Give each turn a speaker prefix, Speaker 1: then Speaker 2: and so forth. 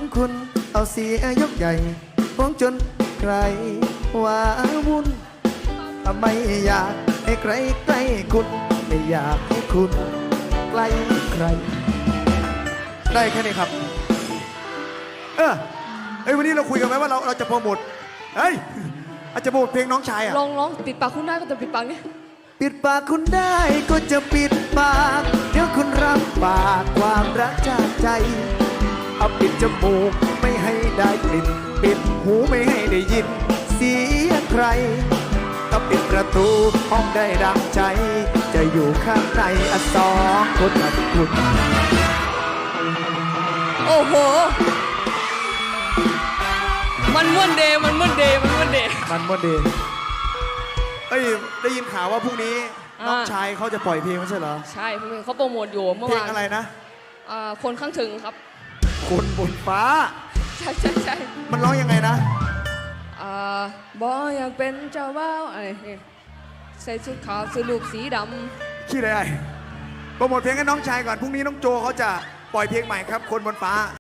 Speaker 1: คุณเอาเสียยกใหญ่ฟ้องจนใครว่าวุ่นไม่อยากให้ใครใกล้คุณไม่อยากให้คุณใกล้ใครได้แค่นี้ครับวันนี้เราคุยกันไหมว่าเราจะโปรโมทอาจจะโปรโมทเพลงน้องชายอะ
Speaker 2: ลองปิดปากคุณได้ก็จะปิดปากนี่
Speaker 1: ปิดปากคุณได้ก็จะปิดปากเดี๋ยวคุณรับปากความรักจากใจเอาปิดจมูกไม่ให้ได้กลิ่นปิดหูไม่ให้ได้ยินเสียงใครเอาปิดประตูห้องได้ดังใจจะอยู่ข้างในสองคนกับคุณ
Speaker 2: โอ้โหมันม่วนเดย์
Speaker 1: ได้ยินข่าวว่าพรุ่งนี้น้องชายเขาจะปล่อยเพลงไม่ใช่เหรอ
Speaker 2: ใช่เขาโปรโมทอยู่เมื่อวาน
Speaker 1: เพลงอะไรนะ
Speaker 2: คนข้างถึงครับ
Speaker 1: คนบนฟ้า
Speaker 2: ใช่
Speaker 1: มันร้องยังไงนะ
Speaker 2: บออยากเป็นเจ้าบ่าวอะไรใส่ชุดขาวซื้อลูกสีดำ
Speaker 1: ขี้อะไรโปรโมทเพลงให้น้องชายก่อนพรุ่งนี้น้องโจเขาจะปล่อยเพลงใหม่ครับคนบนฟ้า